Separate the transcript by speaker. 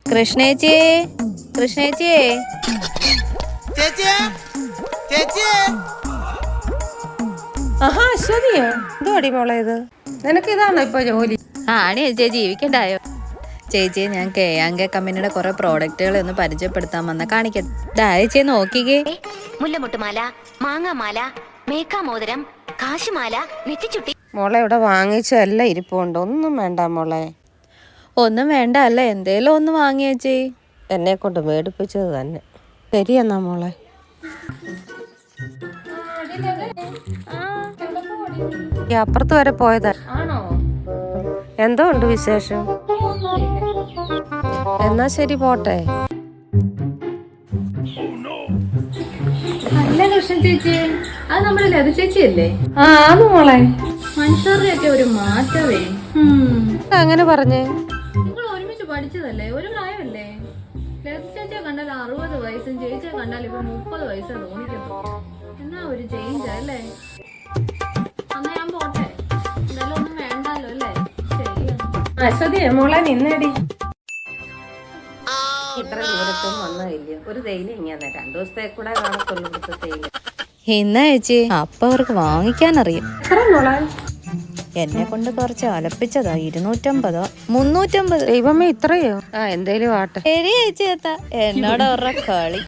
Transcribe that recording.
Speaker 1: കൃഷ്ണേച്ചി, കൃഷ്ണേച്ചി,
Speaker 2: ആഹാ അശ്വതിയോ, എന്തോടി മോളെ ഇത്? നിനക്ക് ഇതാണോ ഇപ്പൊ ജോലി?
Speaker 1: ആണ് ചേച്ചി, ജീവിക്കണ്ടായോ? ചേച്ചിയെ ഞാൻ KK കമ്പനിയുടെ കുറെ പ്രോഡക്റ്റുകൾ ഒന്ന് പരിചയപ്പെടുത്താൻ വന്ന കാണിക്കട്ടെ. ചേച്ചി നോക്കിക്കേ.
Speaker 3: മുല്ലമുട്ടുമാല, മാങ്ങാമാല, മേക്കാമോതിരം, കാശുമാല, നെറ്റിച്ചുട്ടി.
Speaker 2: മോളെ ഇവിടെ വാങ്ങിച്ചെല്ലാം ഇരിപ്പുണ്ട്, ഒന്നും വേണ്ട മോളെ.
Speaker 1: ഒന്നും വേണ്ട അല്ലേ, എന്തേലും ഒന്ന് വാങ്ങിയേച്ചി.
Speaker 2: എന്നെ കൊണ്ട് മേടിപ്പിച്ചത് തന്നെ. ശരിയെന്നാ മോളെ. ഈ അപ്പുറത്ത് വരെ പോയതാ. എന്തോ ഉണ്ട് വിശേഷം? എന്നാ ശരി, പോട്ടെ.
Speaker 4: അല്ല കൃഷ്ണ ചേച്ചി, അത് നമ്മുടെ ലത ചേച്ചിയല്ലേ?
Speaker 2: ആ ആന്ന് മോളെ.
Speaker 4: മനുഷ്യരുടെയൊക്കെ ഒരു മാറ്റവേ.
Speaker 2: അങ്ങനെ പറഞ്ഞേ.
Speaker 4: നിങ്ങൾ ഒരുമിച്ച് പഠിച്ചതല്ലേ, ഒരു പ്രായമല്ലേ? ലത ചേച്ചിയെ കണ്ടാൽ 60 വയസ്സും ചേച്ചിയെ കണ്ടാൽ ഇപ്പൊ 30 വയസ്സാ തോന്നിക്കുന്നു. എന്നാ ഒരു ചേഞ്ച് അല്ലേ? അന്ന് ഞാൻ പോട്ടെ, എന്തായാലും ഒന്നും വേണ്ടല്ലോ അല്ലേ? ശരിയാണ്.
Speaker 2: അശ്വതി മോളെ നിന്നേടി. ഇത്ര ദൂരത്തും വന്നില്ല. ഒരു തേയില ഇങ്ങനെ 2 ദിവസത്തെ കൂടെ കാണത്തുള്ളൂ ഇവിടുത്തെ തേയില.
Speaker 1: ഇന്നാ ചേച്ചി, അപ്പൊ അവർക്ക് വാങ്ങിക്കാനറിയാം.
Speaker 2: മോളെ
Speaker 1: എന്നെ കൊണ്ട് കുറച്ച് അലപ്പിച്ചതാ. 250, 350.
Speaker 2: ദൈവമേ, ഇത്രയോ? എന്തേലും ആട്ടെ.
Speaker 1: ശരി ചേച്ചി, എന്നോട് അവരുടെ കളി.